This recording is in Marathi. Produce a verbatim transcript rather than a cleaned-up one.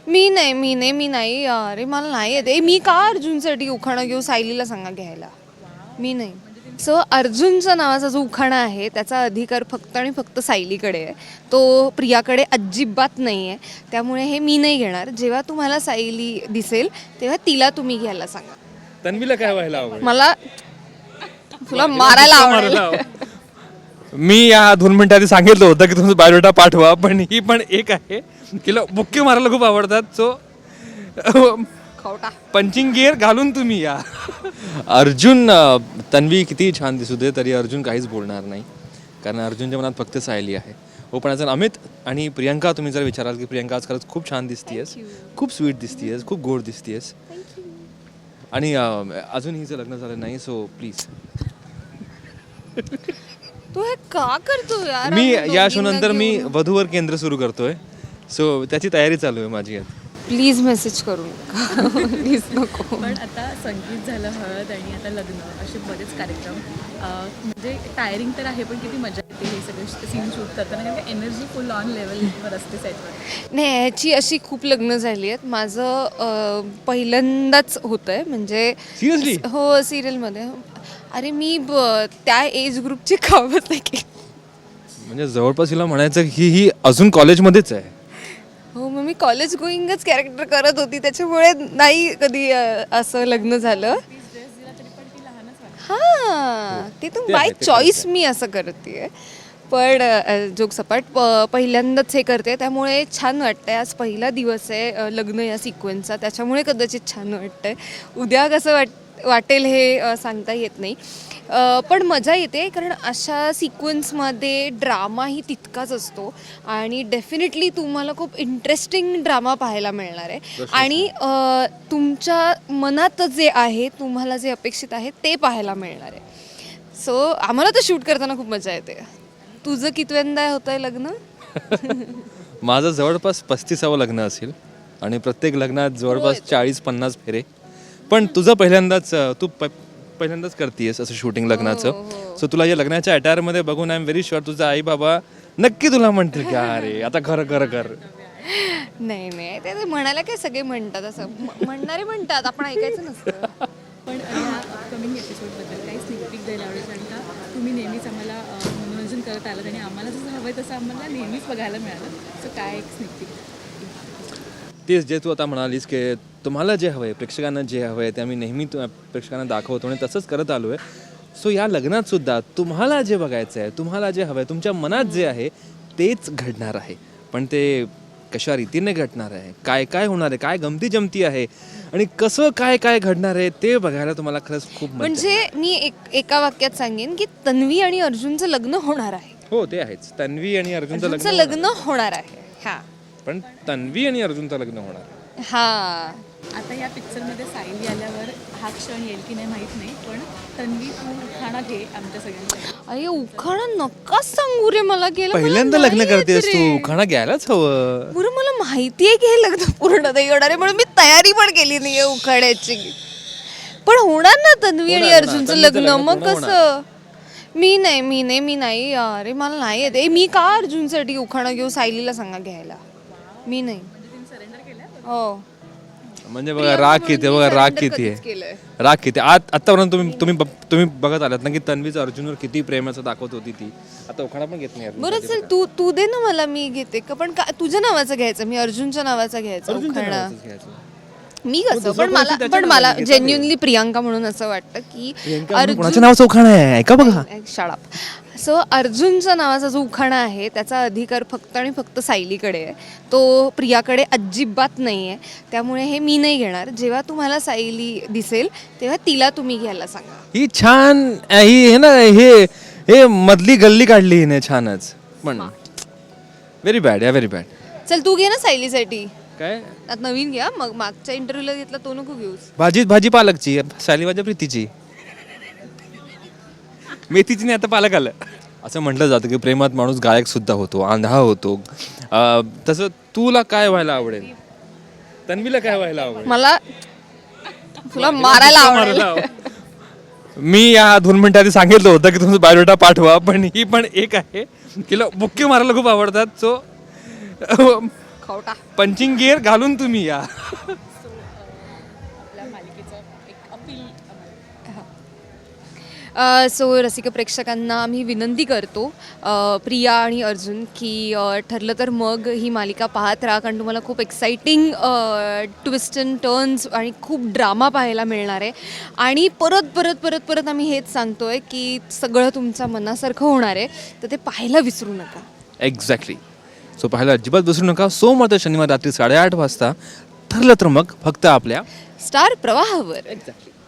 मी नाही मी नाही मी नाही अरे मला नाही येते मी का अर्जुनसाठी उखाणा घेऊ सायलीला सांगा घ्यायला मी नाही. सो अर्जुनच्या नावाचा जो उखाणा आहे त्याचा अधिकार फक्त आणि फक्त सायलीकडे आहे, तो प्रियाकडे अजिबात नाही आहे. त्यामुळे हे मी नाही घेणार. जेव्हा तुम्हाला सायली दिसेल तेव्हा तिला तुम्ही घ्यायला सांगा. तन्वीला काय व्हायला आवडेल? मला तुला मारायला आवडेल. मी या दोन मिनिटं आधी सांगितलं होतं की तुमचा बायोडेटा पाठवा, पण ही पण एक आहे तिला बुक्के मारायला खूप आवडतात. सो पंचिंग गिअर घालून तुम्ही या. अर्जुन तन्वी किती छान दिसू दे तरी अर्जुन काहीच बोलणार नाही, कारण अर्जुनच्या मनात फक्त सायली आहे. हो पण आज अमित आणि प्रियंका तुम्ही जर विचाराल की प्रियंका आज खरंच खूप छान दिसतीयस, खूप स्वीट दिसतीयस, खूप गोड दिसतीयस. आणि अजून हिचं लग्न झालं नाही, सो प्लीज. तू हे का करतो यार? मी या शो नंतर मी वधूवर केंद्र सुरू करतोय, सो त्याची तयारी चालू आहे माझी. प्लीज मेसेज करू नका प्लीज नको. पण आता संगीत झालं, हळद आणि आता लग्न असे बरेच कार्यक्रम, म्हणजे टायरिंग तर आहे पण किती मजा येते हे सगळे सीन शूट करताना, कारण एनर्जी फुल ऑन लेवलवर असते सेटवर. नाही ह्याची अशी खूप लग्न झाली आहेत. माझं पहिल्यांदाच होतं आहे म्हणजे सिरियसली? हो सिरियलमध्ये. अरे मी त्या एज ग्रुपची कामच नाही केली. म्हणजे जवळपास हिला म्हणायचं की ही अजून कॉलेजमध्येच आहे. हो मग मी कॉलेज गोईंगच कॅरेक्टर करत होती, त्याच्यामुळे नाही कधी असं लग्न झालं. हां ते तर बाय चॉईस मी असं करते. पण जोक सपाट पहिल्यांदाच हे करते त्यामुळे छान वाटतंय. आज पहिला दिवस आहे लग्न या सिक्वेन्सचा, त्याच्यामुळे कदाचित छान वाटतंय. उद्या कसं वाट वाटेल हे सांगता येत नाही, पण मजा येते कारण अशा सिक्वेन्समध्ये ड्रामाही तितकाच असतो आणि डेफिनेटली तुम्हाला खूप इंटरेस्टिंग ड्रामा पाहायला मिळणार आहे. आणि तुमच्या मनात जे आहे, तुम्हाला जे अपेक्षित आहे ते पाहायला मिळणार आहे. सो आम्हाला तर शूट करताना खूप मजा येते. तुझं कितव्यांदा होतं आहे लग्न? माझं जवळपास पस्तीसावं लग्न असेल आणि प्रत्येक लग्नात जवळपास चाळीस पन्नास फेरे. पण तुझं पहिल्यांदाच तू प पहिल्यांदाच करतेयस असं शूटिंग लग्नाचं. सो तुला या लग्नाच्या अटायरमध्ये बघून आय एम व्हेरी शुअर तुझा आई बाबा नक्की तुला म्हणतील की अरे आता खरं खरं कर. नाही नाही ते म्हणायला काय सगळे म्हणतात, असं म्हणणारे म्हणतात, आपण ऐकायचं नसतं. पण ह्या अपकमिंग एपिसोडबद्दल काही स्निक पीक द्यायला आवडेल, कारण का तुम्ही नेहमीच आम्हाला मनोरंजन करत आलात आणि आम्हाला जसं हवं आहे तसं आम्हाला नेहमीच बघायला मिळालं. सो काय एक स्निक पीक? तेच जे तू आता म्हणालीस की तुम्हाला जे हवं आहे, प्रेक्षकांना जे हवं आहे ते आम्ही नेहमी प्रेक्षकांना दाखवतो आणि तसंच करत आलो आहे. सो या लग्नात सुद्धा तुम्हाला जे बघायचं आहे, तुम्हाला जे हवं आहे, तुमच्या मनात जे आहे तेच घडणार आहे. पण ते कशा रीतीने घडणार आहे, काय काय होणार आहे, काय गमती जमती आहे आणि कसं काय काय घडणार आहे ते बघायला तुम्हाला खरंच खूप मजा. म्हणजे मी एक एका वाक्यात सांगेन की तन्वी आणि अर्जुनचं लग्न होणार आहे. हो ते आहेच, तन्वी आणि अर्जुनचं अर्जुनचं लग्न लग्न होणार आहे. हा पण तन्वी आणि अर्जुनचं लग्न होणार आहे. हा आता या पिक्चरमध्ये सायली आल्यावर हा क्षण येईल की नाही माहीत नाही, पण तन्वी तू उखाणा घे आमच्या सगळ्यांसाठी. अरे उखाणा नका सांगू रे मला. गेलं पहिल्यांदा लग्न करतेस तू, उखाणा घ्यायलाच हवं. बरं मला माहितीये की हे लग्न पूर्ण नाही होणार आहे म्हणून मी तयारी पण केली नाहीये उखाण्याची. पण होणार ना तन्वी आणि अर्जुनचं लग्न, मग कसं? मी नाही मी नाही मी नाही अरे मला नाही येते मी का अर्जुनसाठी उखाणा घेऊ सायलीला सांगा घ्यायला मी नाही. हो म्हणजे बघा राग किती, बघा राग किती आहे, राग किती. आत आतापर्यंत तुम्ही तुम्ही तुम्ही बघत आलात ना की तन्वीचं अर्जुनवर किती प्रेमाचं दाखवत होती ती. आता उखाणा पण घेत नाही. बरं चल तू तू दे ना मला, मी घेते का. पण तुझ्या नावाचं घ्यायचं, मी अर्जुनच्या नावाचा घ्यायचा उखाणा. मी कसं पण मला पण मला जेन्युनली प्रियांका म्हणून असं वाटतं की अर्जुनच्या नावाचा उखाणा आहे, ऐका बघा. शाळा. सो अर्जुनच्या नावाचा जो उखाणा आहे त्याचा अधिकार फक्त आणि फक्त सायलीकडे आहे, तो प्रियाकडे अजिबात नाही आहे. त्यामुळे हे मी नाही घेणार. जेव्हा तुम्हाला सायली दिसेल तेव्हा तिला तुम्ही घ्यायला सांगा. ही छान ही हे ना हे हे मधली गल्ली काढली हिने छानच, पण व्हेरी बॅड या व्हेरी बॅड. चल तू घे ना सायलीसाठी. काय आता नवीन घ्या, मग मागच्या इंटरव्ह्यूला घेतला तो नको घेऊस. भाजी भाजी पालकची, सायली माझ्या प्रीतीची, मेथीची नाही आता पालक आलं. असं म्हटलं जातं की प्रेमात माणूस गायक सुद्धा होतो, आंधळा होतो. तसं तुला काय व्हायला आवडेल, तन्वीला काय व्हायला आवडेल? मला तुला मारायला आवडेल. मी या दोन मिनिटं आधी सांगितलं होतं की तुमचा बायोडेटा पाठवा, पण ही पण एक आहे तिला बुक्के मारायला खूप आवडतात. सो दाखवता. पंचिंग गिअर घालून तुम्ही या. आपल्या मालिकेचं एक अपील सो रसिक प्रेक्षकांना आम्ही विनंती करतो, अ, प्रिया आणि अर्जुन, की अ, ठरलं तर मग ही मालिका पाहत राहा, कारण तुम्हाला खूप एक्साइटिंग ट्विस्ट अँड टर्न्स आणि खूप ड्रामा पाहायला मिळणार आहे. आणि परत परत परत परत आम्ही हेच सांगतोय की सगळं तुमच्या मनासारखं होणार आहे, तर ते पाहायला विसरू नका. एक्झॅक्टली. सो पाहायला अजिबात विसरू नका. सोमवार ते शनिवार रात्री साडेआठ वाजता ठरलं तर मग फक्त आपल्या स्टार प्रवाहावर. एक्झॅक्टली.